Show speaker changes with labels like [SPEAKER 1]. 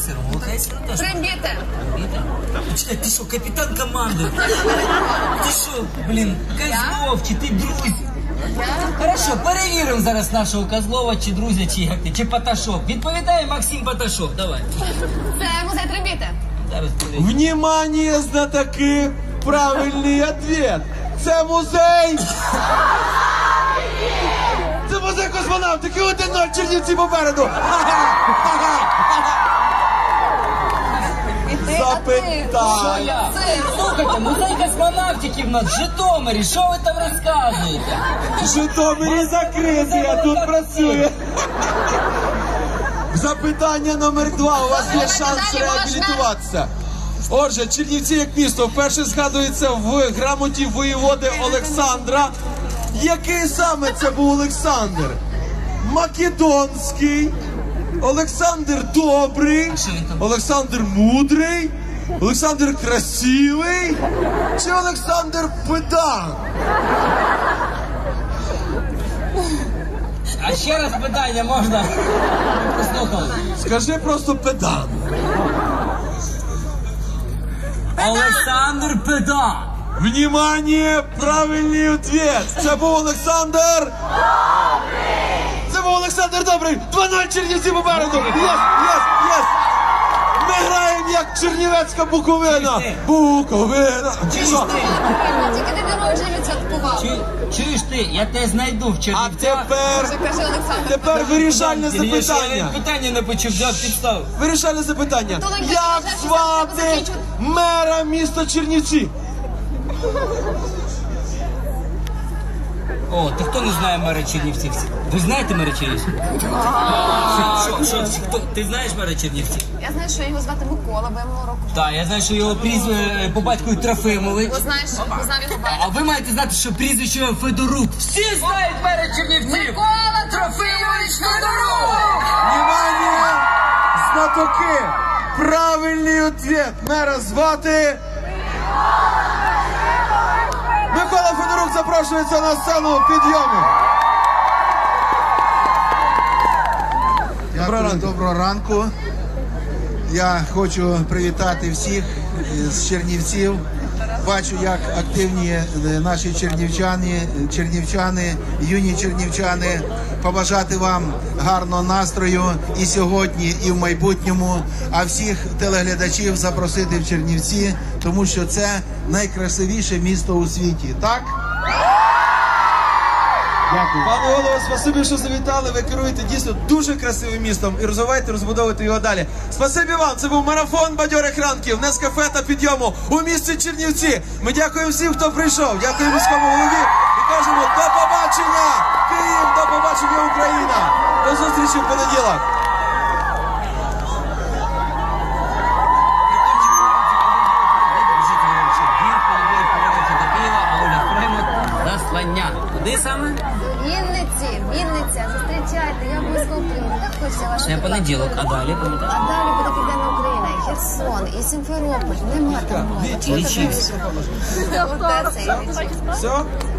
[SPEAKER 1] сиром. Молока і сиром теж.
[SPEAKER 2] Трембіти.
[SPEAKER 1] Чекай, ти що, капітан команди? Ти що, блін, Козлов, чи ти друзі? Хорошо, перевіримо зараз нашого Козлова, чи друзя, чи як ти, чи Паташов. Відповідає Максим Паташов, давай.
[SPEAKER 2] Це музей Трембіти.
[SPEAKER 1] Зараз перевіримо.
[SPEAKER 3] Внимание, знатоки! Правильний ответ! Це музей! Це музей космонавтики! 1-0, Чернівці попереду! Запитання!
[SPEAKER 1] Слухайте, музей космонавтики в нас в Житомирі, що ви там розказуєте?
[SPEAKER 3] В Житомирі закритий, а тут працює. Запитання номер 2. У вас є шанс реабілітуватися. Отже, Чернівці як місто вперше згадується в грамоті воєводи Олександра. Який саме це був Олександр? Македонський, Олександр Добрий, Олександр Мудрий, Олександр Красивий чи Олександр Педан?
[SPEAKER 1] А ще раз питання можна? Послухали.
[SPEAKER 3] Скажи просто Педан.
[SPEAKER 1] Олександр Педан.
[SPEAKER 3] Внимание, правильний ответ. Це був Олександр Добрий. Це був Олександр Добрий. 2-0, Чернівці попереду. Єс. Ми граємо як чернівецька Буковина. Буковина.
[SPEAKER 2] Тільки ти не можеш відсвяткував.
[SPEAKER 1] Чуєш ти, я тебе знайду в
[SPEAKER 3] А
[SPEAKER 1] Чернівцях.
[SPEAKER 3] тепер вирішальне
[SPEAKER 1] Я
[SPEAKER 3] запитання.
[SPEAKER 1] питання не почув, взяв підстав.
[SPEAKER 3] Вирішальне запитання. Як звати мера міста Чернівці?
[SPEAKER 1] О, ти хто не знає мера Чернівців? Ви знаєте мера Чернівців? Хто? Ти знаєш мера Чернівців?
[SPEAKER 2] Я знаю, що його звати Микола, бо я минулого року.
[SPEAKER 1] Так, я знаю, що його прізвище по батькові Трофимович.
[SPEAKER 2] Знав його батька.
[SPEAKER 1] А ви маєте знати, що прізвище Федорук. Всі знають мера Чернівців.
[SPEAKER 2] Микола Трофимович Федорук!
[SPEAKER 3] Внимание, знатоки! Правильний ответ. Мера звати... Микола Федорук запрошується на сцену підйому.
[SPEAKER 4] Доброго ранку. Я хочу привітати всіх з Чернівців. Бачу, як активні наші чернівчани, юні чернівчани. Побажати вам гарного настрою і сьогодні, і в майбутньому. А всіх телеглядачів запросити в Чернівці, тому що це найкрасивіше місто у світі. Так? Дякую.
[SPEAKER 3] Пане голово, спасибі, що завітали. Ви керуєте дійсно дуже красивим містом і розвиваєте, розбудовуєте його далі. Спасибі вам. Це був марафон бадьорих ранків, Нескафе та підйому у місті Чернівці. Ми дякуємо всім, хто прийшов. Дякуємо міському голові і кажемо до побачення, Київ, до побачення, Україна. До зустрічі в понеділок.
[SPEAKER 1] Куди саме?
[SPEAKER 2] Вінниця, зустрічайте, я обов'язково прийду. Так хочеться вашу.
[SPEAKER 1] Це понеділок, а далі пам'ятаєш?
[SPEAKER 2] А далі буде Південна Україна, і Херсон, і Сімферополь. Нема там.
[SPEAKER 1] Лічився.
[SPEAKER 2] Оце це і лічився.
[SPEAKER 3] Все?